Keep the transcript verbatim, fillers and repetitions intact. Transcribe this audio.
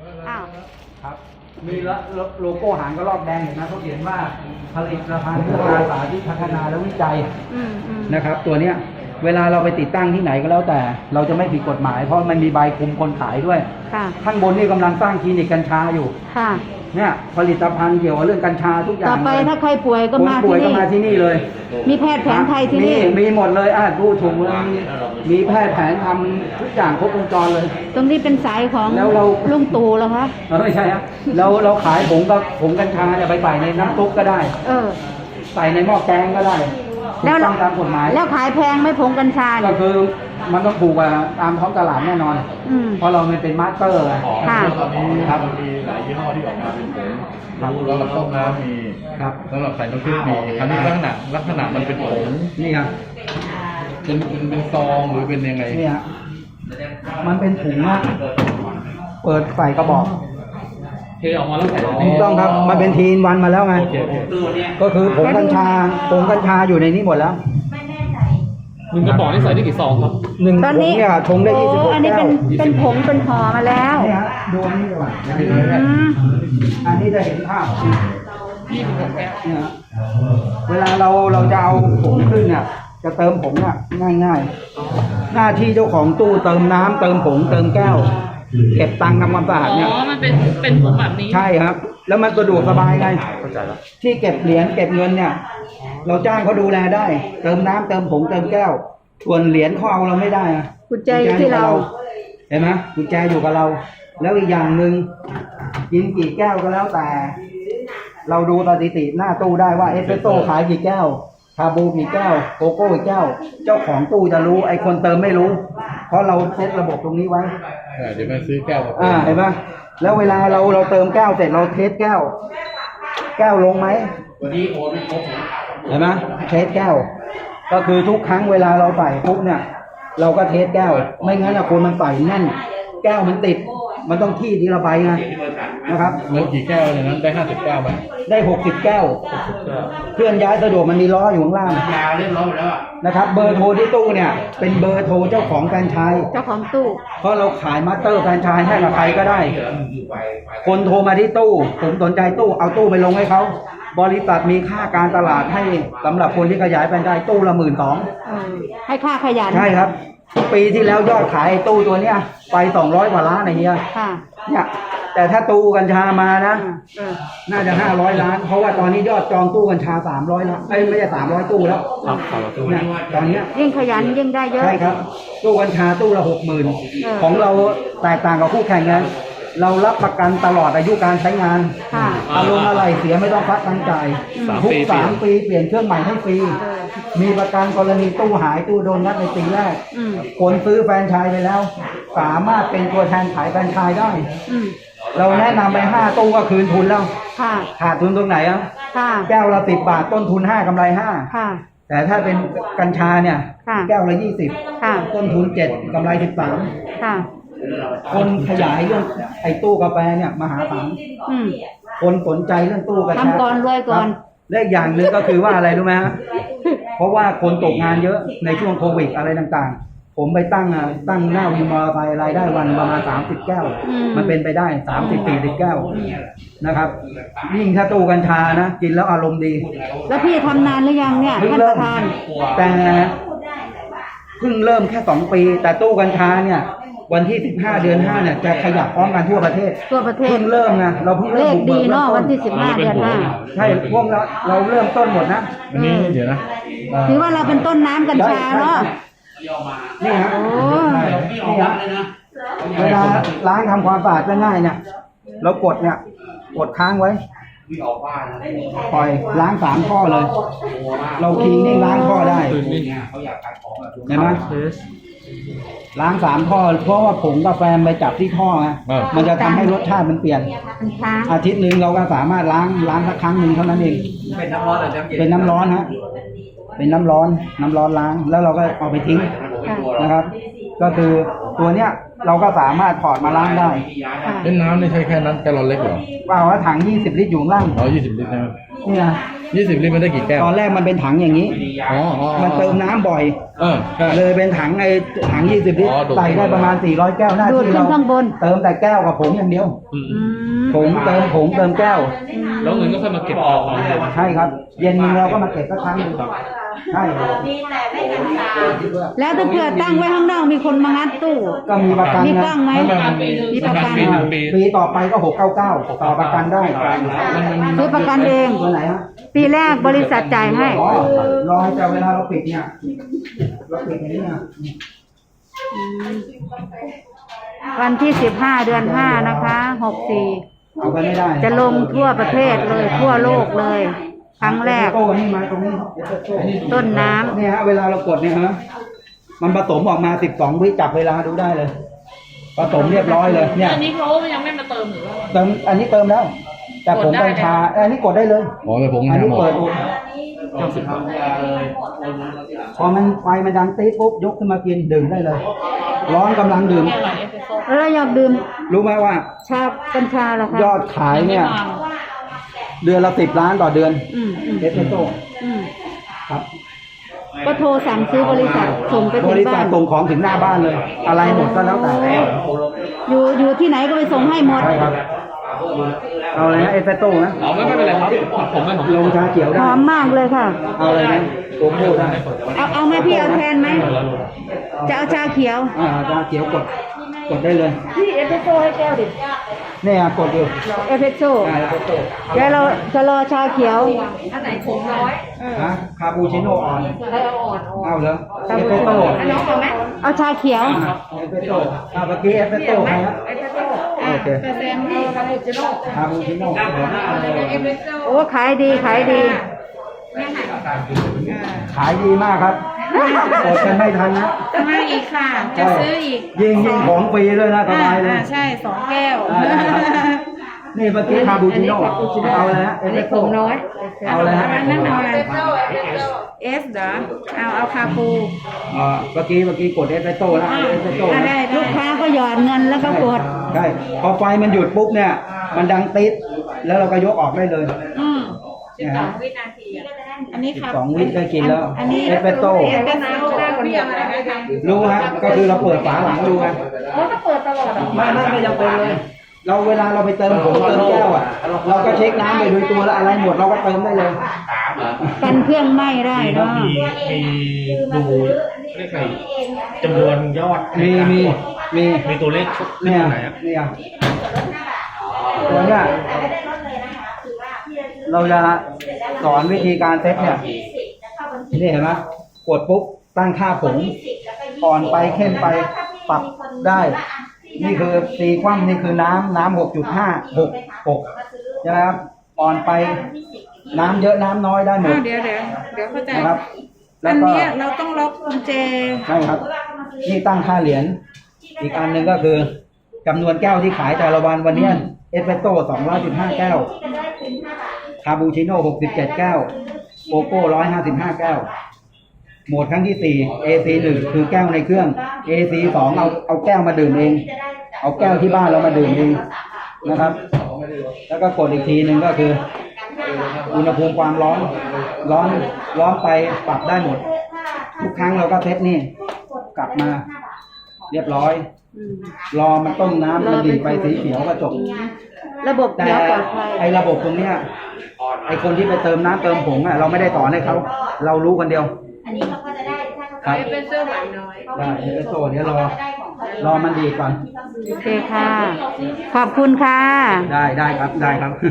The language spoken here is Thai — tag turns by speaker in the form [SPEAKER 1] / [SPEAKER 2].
[SPEAKER 1] อ้าว
[SPEAKER 2] ครับมีโลโก้หางกระรอกแดงเห็นไหมเขาเขียนว่าผลิตภัณฑ์เพื่อการสาธิตพัฒนาและวิจัยนะครับตัวเนี้ยเวลาเราไปติดตั้งที่ไหนก็แล้วแต่เราจะไม่ผิดกฎหมายเพราะมันมีใบคุมคนขายด้วยข้างบนนี่กำลังสร้างคลินิกกัญชาอยู่เนี่ยผลิตภัณฑ์เกี่ยวกับเรื่องกัญชาทุกอย่าง
[SPEAKER 1] ต่อไปถ้าใครป่วยก็มาที่นี่
[SPEAKER 2] มาที่นี่เลย
[SPEAKER 1] มีแพทย์แผนไทยที่นี่
[SPEAKER 2] มีหมดเลยอ่ะดูถูกเลยมีแพทย์แผนทำทุกอย่างครบวงจรเลย
[SPEAKER 1] ตรงนี้เป็นสายของลุงตู่เหรอคะ
[SPEAKER 2] ไม่ใช่ครับเราเราขายผงกับผงกัญชาเนี่ยไปใส่ในน้ำซุปก็ได้เออใส่ในหม้อแกงก็ได้
[SPEAKER 1] แล้ว
[SPEAKER 2] ตามกฎหมาย
[SPEAKER 1] แล้วขายแพงไม่ผงกัญชา
[SPEAKER 2] ก็คือมันต้องถูกกว่าตามท้องตลาดแน่นอนเพราะเราเป็นมาสเตอร์
[SPEAKER 3] ค่ะตอนนี้ครับมีหลายยี่ห้อที่ออกมาเป็นผงครับสำหรับต้มน้ำมีครับสำหรับใส่น้ำพริกมีอันนี้ลักษณะลักษณะมันเป็นผง
[SPEAKER 2] นี่ครับ
[SPEAKER 3] เป็นเป็นเป็นซองหรือเป็นยังไง
[SPEAKER 2] นี่ฮะมันเป็นถุงนะเปิดใส่กระบอก
[SPEAKER 3] เทออกมาแล้วใส่
[SPEAKER 2] ถูกต้องครับมันเป็นทีนวันมาแล้วไงก็คือผงกัญชาผงกัญชาอยู่ในนี้หมดแล้ว
[SPEAKER 3] หนึ่งกระบอกนี่ใส่ได้กี่ซองครับ
[SPEAKER 2] หนึ่งถุงเนี่ยชงได้ยี่สิบหกแก้ว
[SPEAKER 1] อันนี้เป็นเป็นผงเป็นห่อมาแล้ว
[SPEAKER 2] นี่ฮะดูอันนี้ก่อนอันนี้จะเห็นภาพยี่สิบหกแก้วเนี่ยเวลาเราเราจะเอาผงขึ้นเนี่ยจะเติมผงเนี่ยง่ายๆหน้าที่เจ้าของตู้เติมน้ำเติมผงเติมแก้วเก็บตังค์ทำความสะอาดเนี่ย
[SPEAKER 4] อ๋อมันเป็นเป็นผงแบบนี้
[SPEAKER 2] ใช่ครับแล้วมันสะดวกสบายไงที่เก็บเหรียญเก็บเงินเนี่ยเราจ้างเขาดูแลได้เติมน้ำเติมผงเติมแก้วส่วนเหรียญเขาเอาเราไม่ได้อะ
[SPEAKER 1] กุญแจอยู่ที่เรา
[SPEAKER 2] เห็นไหมกุญแจอยู่กับเราแล้วอีกอย่างหนึ่งกินกี่แก้วก็แล้วแต่เราดูสถิติหน้าตู้ได้ว่าเอสเปรสโซ่ขายกี่แก้วคาบูกี่แก้วโกโก้กี่แก้วเจ้าของตู้จะรู้ไอ้คนเติมไม่รู้เพราะเราเซตระบบตรงนี้ไว้
[SPEAKER 3] เดี๋ยวมาซื้อแก้ว
[SPEAKER 2] อ่าเห็นไหมแล้วเวลาเราเราเติมแก้วเสร็จเราเทสแก้วแก้วลงไหมวันนี้โอนไม่ครบเห็นไหมเทสแก้วก็คือทุกครั้งเวลาเราใส่ปุ๊บเนี่ยเราก็เทสแก้วไม่งั้นอะคนมันใส่แน่นแก้วมันติดมันต้องที่ทีละใบไงนะครับ
[SPEAKER 3] แล้วกี่แก้วในนั้นได้ห้าสิบแก้วไหม
[SPEAKER 2] ได้หกสิบแก้วเคลื่อนย้ายสะดวกมันมีล้ออยู่ข้างล่าง
[SPEAKER 3] ยาเล่นล้อไปแล้ว
[SPEAKER 2] นะครับเบอร์โทรที่ตู้เนี่ยเป็นเบอร์โทรเจ้าของแฟรนไชส์
[SPEAKER 1] เจ้าของตู้
[SPEAKER 2] เพราะเราขายมาสเตอร์แฟรนไชส์ให้กับใครก็ได้คนโทรมาที่ตู้ผมสนใจตู้เอาตู้ไปลงให้เขาบริษัทมีค่าการตลาดให้สำหรับคนที่ขยายแฟรนไชส์ตู้ละหมื่นสอง
[SPEAKER 1] ให้ค่าขยัน
[SPEAKER 2] ใช่ครับปีที่แล้วยอดขายตู้ตัวเนี้ยไปสองร้อยกว่าล้านอะไรเงี้ยเนี่ยแต่ถ้าตู้กัญชามานะน่าจะห้าร้อยล้านเพราะว่าตอนนี้ยอดจองตู้กัญชาสามร้อยล้านไม่ไม่ใช่สามร้อยตู้แล้ว
[SPEAKER 3] ครับสามร้อยตู้
[SPEAKER 2] เนี่ยตอนนี้
[SPEAKER 1] ยิ่งขยันยิ่งได้เยอะ
[SPEAKER 2] ใช่ครับตู้กัญชาตู้ละหกหมื่นของเราแตกต่างกับคู่แข่งกันเรารับประกันตลอดอายุการใช้งานอารมณ์อะไรเสียไม่ต้องพักตังจ่ายทุกสามปีเปลี่ยนเครื่องใหม่ให้ฟรีมีประกันกรณีตู้หายตู้โดนงัดในปีแรกคนซื้อแฟรนไชส์ไปแล้วสามารถเป็นตัวแทนขายแฟรนไชส์ได้เราแนะนำไปห้าตู้ก็คืนทุนแล้วขาดทุนตรงไหนอ่ะแก้วละสิบบาทต้นทุนห้ากำไรห้าแต่ถ้าเป็นกัญชาเนี่ยแก้วละยี่สิบต้นทุนเจ็ดกำไรสิบสามคนขยายเรื่องไอ้ตู้กาแฟเนี่ยมหาศาลคนสนใจเรื่องตู้กัญชา
[SPEAKER 1] ทำก่อนรวยก่อน
[SPEAKER 2] และอีกอย่างหนึ่งก็คือว่าอะไรรู้ไหมฮะเพราะว่าคนตกงานเยอะในช่วงโควิดอะไรต่างๆผมไปตั้งตั้งหน้าวินมอเตอร์ไซค์รายได้วันประมาณสามสิบแก้วมันเป็นไปได้สามสิบสี่สิบแก้วนะครับยิ่งถ้าตู้กัญชานะกินแล้วอารมณ์ดี
[SPEAKER 1] แล้วพี่ทำนานหรือยังเนี่ยท่านประธาน
[SPEAKER 2] แต่เพิ่งเริ่มแค่สองปีแต่ตู้กัญชาเนี่ยวันที่สิบห้าเดือนห้าเนี่ยจะขยับพร้อมกันทั่วประเทศ
[SPEAKER 1] ทั่วประเทศ
[SPEAKER 2] เพิ่งเริ่มนะเราเพิ่งเริ่ม
[SPEAKER 1] ดีเนาะวันที่สิบห้าเดือนห้า
[SPEAKER 2] ใช่พวกเราเราเริ่มต้นหมดนะ
[SPEAKER 3] นี่เดี๋ยวนะ
[SPEAKER 1] ถือว่าเราเป็นต้นน้ำกัญชาเนาะ
[SPEAKER 2] นี่ฮะนี่ฮะเวลาล้างทำความสะอาดง่ายๆเนี่ยเรากดเนี่ยกดค้างไว้ปล่อยล้างสามข้อเลยเราคีย์นี่ล้างข้อได้เห็นไหมล้างสามท่อเพราะว่าผงกาแฟไปจับที่ท่อไงมันจะทำให้รสชาติมันเปลี่ยนอาทิตย์หนึ่งเราก็สามารถล้างล้างสักครั้งหนึ่งเท่านั้นเองเป็นน้ำร้อนหรือน้ำเย็นเป็นน้ำร้อนฮะเป็นน้ำร้อนน้ำร้อนล้างแล้วเราก็เอาไปทิ้งนะครับก็คือตัวเนี้ยเราก็สามารถถอดมาล้างได้
[SPEAKER 3] เป็นน้ำนี่ใช่แค่นั้นแกลลอนเล็กเหรอ
[SPEAKER 2] เปล่าว่าถังยี่สิบลิตรอยู่ล่าง
[SPEAKER 3] อ๋อยี่สิบลิตรนะ
[SPEAKER 2] เนี่ย
[SPEAKER 3] ยี่สิบลิตรมันได้กี่แก้ว
[SPEAKER 2] ตอนแรกมันเป็นถังอย่างนี้
[SPEAKER 3] อ๋ออ๋อ
[SPEAKER 2] มันเติมน้ำบ่อย
[SPEAKER 3] เออใช่
[SPEAKER 2] เลยเป็นถังไอ้ถังยี่สิบลิตร
[SPEAKER 3] อ๋อดูด
[SPEAKER 2] ใส่ได้ประมาณสี่ร้อยแก้วหน้า
[SPEAKER 1] ดูด
[SPEAKER 2] ที่
[SPEAKER 1] ขึ้
[SPEAKER 2] เรา
[SPEAKER 1] นข้างบน
[SPEAKER 2] เติมแต่แก้วกับผงอย่างเดียว
[SPEAKER 3] อืม
[SPEAKER 1] อืม
[SPEAKER 2] ผงเติมผงเติมแก้ว
[SPEAKER 3] แล้วเงินก็ค่อยมาเก็บออก
[SPEAKER 2] ใช่ครับ เย็นเราก็มาเก็บสักครั้งหนึงใช่
[SPEAKER 1] แล้วถ้าเผื่อตั้งไว้ข้างนอกมีคนมางัดตู้
[SPEAKER 2] ก็มีประกัน
[SPEAKER 1] มี
[SPEAKER 2] นะ
[SPEAKER 1] กล้องไหมมีประกัน
[SPEAKER 3] ปีหนึ่งปี
[SPEAKER 2] ปีต่อไปก็หกเก้าเก้าต่อประกันได้
[SPEAKER 3] มันมัน
[SPEAKER 1] ซื้อประกันเอง
[SPEAKER 2] ตัวไหนฮะ
[SPEAKER 1] ปีแรกบริษัทจ่ายให้
[SPEAKER 2] อ๋อรอแต่เวลาเราปิดเนี่ยเราปิดอย่างนี้นะ
[SPEAKER 1] วันที่สิบห้าเดือนห้านะคะหกสี่
[SPEAKER 2] เอาไปไม่ได้
[SPEAKER 1] จะลงทั่วประเทศเลยทั่วโลกเลย ครั้งแรก
[SPEAKER 2] โต้นี่มาตรงนี้
[SPEAKER 1] ต้นน้ำ
[SPEAKER 2] เนี่ยฮะเวลาเรากดเนี่ยฮะมันผสมออกมาสิบสองวิจับเวลาดูได้เลยผสมเรียบร้อยเลยเนี่ย
[SPEAKER 4] อันนี้เขายังไม่มาเติมหรือว่า
[SPEAKER 2] เติมอันนี้เติมแล้ว แต่ผงกัญชาอันนี้กดได้เลย
[SPEAKER 3] อ๋อแต่ผม
[SPEAKER 2] อันนี้
[SPEAKER 3] หมด
[SPEAKER 2] เปิดอุ
[SPEAKER 3] เก้าสิบบาท
[SPEAKER 2] พอมันไฟมันดังตีปุ๊บยกขึ้นมากินดื่มได้เลย ร้อนกำลังดื่ม
[SPEAKER 4] แค่ไหนเอสเปรสโซ่
[SPEAKER 1] แล้วเราอยากดื่ม
[SPEAKER 2] รู้ไหมว่า
[SPEAKER 1] ชากัญชาเหรอคะ
[SPEAKER 2] ยอดขายเนี่ย เดือนละสิบล้านต่อเดือน
[SPEAKER 1] อืมอืม
[SPEAKER 2] เอสเปรสโซ่
[SPEAKER 1] อืม
[SPEAKER 2] ครับ
[SPEAKER 1] ก็โทรสั่งซื้อบริษัทส่งไป
[SPEAKER 2] บ
[SPEAKER 1] ถึง
[SPEAKER 2] ริษั
[SPEAKER 1] บ้า
[SPEAKER 2] ท
[SPEAKER 1] น
[SPEAKER 2] ส่งของถึงหน้าบ้านเลย อะไรหมดก็แล้วแต่
[SPEAKER 1] อยู่อยู่ที่ไหนก็ไปส่งให้หมด
[SPEAKER 2] ใช่ครับ เอาเลยนะเอสเปรสโซ่นะ
[SPEAKER 3] อ๋อไม่ไม่เป็นไรครับผมไม่ผม
[SPEAKER 2] ลงชาเขียว
[SPEAKER 1] ห
[SPEAKER 2] ได้
[SPEAKER 1] อมมากเลยค่ะ
[SPEAKER 2] เอาเลยนะโกโก้ได้
[SPEAKER 1] เอาเอาไหมพี่เอาแทนไหม จะเอาชาเขียว
[SPEAKER 2] อ่าชาเขียวกด กดได้เลย
[SPEAKER 1] พี่เอสเปรสโซ่ให้แก้วดิ
[SPEAKER 2] เนี่ยกดอยู่
[SPEAKER 1] เอสเปรสโซ่
[SPEAKER 2] อ่าเอสเปรสโซ่
[SPEAKER 1] เดี๋ยวเราจะรอชาเขียว
[SPEAKER 4] อันไหนขมน้อย
[SPEAKER 2] ฮะคาปูชิโน่อ่อน
[SPEAKER 4] อะไรเอาอ่อนเอา
[SPEAKER 2] เอาเลยเอสเปรสโซ่
[SPEAKER 4] อันน้องเอาไหม
[SPEAKER 2] À,
[SPEAKER 1] เอาชาเขียว
[SPEAKER 2] อ่าเอสเปรสโซ่อ่าเมื่อกี้เอสเปรสโซ่ใครฮะ
[SPEAKER 4] เอสเปรสโซ่
[SPEAKER 2] โอเค
[SPEAKER 4] เปอร์เซ็นต์ที่คาปูชิโน่
[SPEAKER 2] คาปูชิโน่
[SPEAKER 4] เอสเปรสโซ่
[SPEAKER 1] โอ้ขายดีขายดี
[SPEAKER 2] ขายดีมากครับกดกันไม่ทันนะ
[SPEAKER 4] มาอีกค่ะ จะซื้ออีก
[SPEAKER 2] ยิงยิงของฟรีด้วยนะสบายเลย
[SPEAKER 4] อ่าใช่สองแก้ว
[SPEAKER 2] ได้ได้ครับ นี่เมื่อกี้คาปูชิโน่เอาเลยฮะเอสเปรสโซ่
[SPEAKER 1] น้อย
[SPEAKER 2] เอาเลยฮะ
[SPEAKER 4] อันนั้นเอาอะไรเอสเหรอเอาเอาคาปู
[SPEAKER 2] อ่าเมื่อกี้เมื่อกี้กดเอสเปรสโซ่แล้วเอสเปรสโซ่
[SPEAKER 4] อ่า
[SPEAKER 2] นะ
[SPEAKER 4] ได้
[SPEAKER 1] ลูกค้าก็หยอดเงินแล้วก็กด
[SPEAKER 2] ใช่พอไฟมันหยุดปุ๊บเนี่ย มันดังติดแล้วเราก็ยกออกได้เลย
[SPEAKER 4] อืม
[SPEAKER 2] เนี่ยฮะ
[SPEAKER 4] วินาทีอ่ะอันนี้ครับ
[SPEAKER 2] สองวิได้กินแล้ว
[SPEAKER 4] อันนี้
[SPEAKER 2] เอสเปรสโซ่
[SPEAKER 4] เอสเปรสโซ่เรียกอะไรนะคะ
[SPEAKER 2] รู้ฮะก็คือเราเปิดฝาหลังดูไง
[SPEAKER 4] เขาก็เปิดตลอดอ่ะ
[SPEAKER 2] ไม่ไม่ไม่จำเป็นเลย เราเวลาเราไปเติมผงเติมแก้วอ่ะ เราก็เช็คน้ำไปโดยตัวแล้วอะไรหมดเราก็เติมได้เลย
[SPEAKER 1] กันเครื่องไหม้ได้เนาะ
[SPEAKER 5] มีมีดูเรียกไงจำนวนยอด
[SPEAKER 2] มีมีมี
[SPEAKER 5] มีตัวเลขขึ้น
[SPEAKER 2] เนี่ย
[SPEAKER 5] ตรงไหนอ่ะ
[SPEAKER 2] เนี่ยตัวเนี้ยเราจะสอนวิธีการเซตเนี่ยนี่เห็นไหมกดปุ๊บตั้งค่าผงอ่อนไปเข้มไปปรับได้ นี่คือตีคว่ำนี่คือน้ำน้ำหกจุดห้าหกหกใช่ไหมครับอ่อนไปน้ำเยอะน้ำน้อยได้หมด
[SPEAKER 4] อ้าวเดี๋ยวเดี๋ยวเดี๋ยวเข้าใจ
[SPEAKER 2] นะครับ แล้
[SPEAKER 4] อั
[SPEAKER 2] วน ก็
[SPEAKER 4] เนี้ยเราต้องล็อกกุญแจ
[SPEAKER 2] ใช่ครับ นี่ตั้งค่าเหรียญอีกอันหนึ่งก็คือจำนวนแก้วที่ขายแต่ละวันวันเนี้ยเอสเปรสโซ่สองร้อยสิบห้าแก้วคาปูชิโน่หกสิบเจ็ดแก้วโกโก้ร้อยห้าสิบห้าแก้วโหมดครั้งที่สี่ เอ ซี หนึ่งคือแก้วในเครื่อง เอ ซี สองเอาเอาแก้วมาดื่มเอง เอาแก้วที่บ้านเรามาดื่มเองนะครับ แล้วก็กดอีกทีหนึ่งก็คือ อุณหภูมิความร้อน ร้อนร้อนไปปรับได้หมด ทุกครั้งเราก็เซตนี่กลับมา เรียบร้อย รอมันต้มน้ำมันดีดไปสีเขียวก็จบ
[SPEAKER 1] ระบบ
[SPEAKER 2] แต่
[SPEAKER 1] เขียวปลอดภัย
[SPEAKER 2] ไอ้ระบบตรงเนี้ยไอ้คนที่ไปเติมน้ำเติมผงอ่ะเราไม่ได้สอนให้เขาเรารู้กันเดียว
[SPEAKER 6] อันนี้เขาก็จะได้ถ้าเขา
[SPEAKER 2] ครับ
[SPEAKER 4] เอสเปรสโซ่หวานน้อย
[SPEAKER 2] ได้เอสเปรสโซ่เดี๋ยวรอ
[SPEAKER 6] ได้ของเขา
[SPEAKER 2] รอมันดีดก่อน
[SPEAKER 1] โอเคค่ะ ขอบคุณค่ะ
[SPEAKER 2] ได้ได้ครับได้ครับ